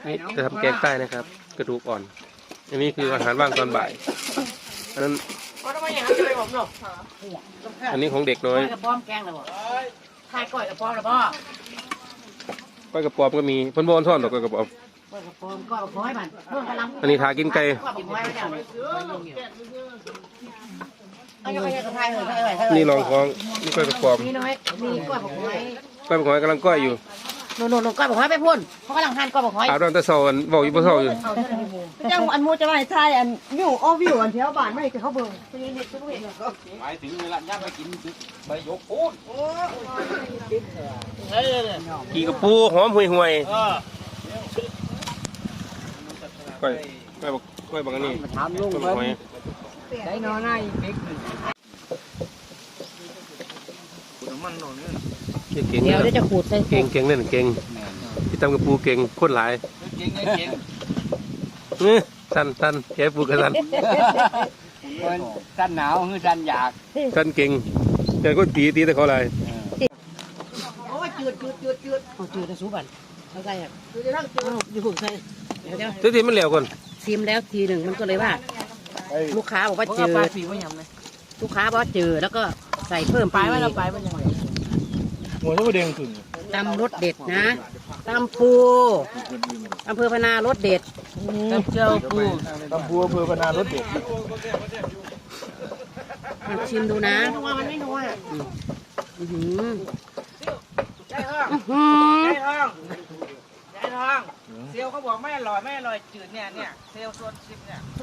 นี่จะทำแกงใต้นะครับ กระดูกอ่อน อันนี้คืออาหารว่างตอนบ่ายอันนั้นอันนี้ของเด็กน้อยกระป๋อมแกงเลยบ่ทายก้อยกระป๋อมเลยพ่อก้อยกระป๋อมก็มีเพิ่นบ่อนท่อนดอกก้อยกระป๋อมก้อยกระป๋อมก้อยกระป๋อมมันเพิ่มพลังอันนี้ทากินไก่ก้อยกระป๋อมไว้ไม่ได้เอาอยู่กับไทยเลยนี่รองท้องนี่ก้อยกระป๋อมนี่น้อยมีก้อยกระป๋อมไว้ก้อยกระป๋อมกำลังก้อยอยู่โน่นก้อยกระป๋อมไปพ่นเขากำลังหั่นก้อยกระป๋อมอาบน้ำแต่เช้าเว้าอยู่บ่เช้าอยู่เจ้าอันมูจะมาใช่อันวิววิวอันแถวบ้านไม่คือเขาเบิ่งหมายถึงเวลาย่างไปกินใบยกปูนขี่กระปูหอมห่วยๆก้อยบักอันนี้ถามลุงก้อยบักหอยได้นอนง่ายเด็กเก่งเดี๋ยวจะขูดใส่เก่งเก่งเล่นเก่งที่ทำกระปูเก่งคนหลายเก่งเก่งสั้นแกปูกระสันคนสั้นหนาวคือสั้นอยากสั้นเก่งแต่ก็ตีแต่เขาอะไรโอ้ยจืดเอาจืดจะสู้บันเขาใส่ครับอยู่หุ่นใส่เดี๋ยวทุกทีมันเหลวก่อนชิมแล้วทีหนึ่งมันก็เลยว่า ลูกค้าบอกว่าจืดปลาสีว่ายำเลยลูกค้าบอกว่าจืดแล้วก็ใส่เพิ่มไปว่าเราไปมันยังไงหัวจะมาเด้งถึงตำรสเด็ดนะตำปูอำเภอพนารสเด็ดกับเจ้าปูตำบัวอำเภอพนารถเด็กลองชิมดูนะนัวมันไม่นัวอื้อหือใจทองเซลเขาบอกไม่อร่อยจืดเนี่ยเซลโซนชิมเนี่ย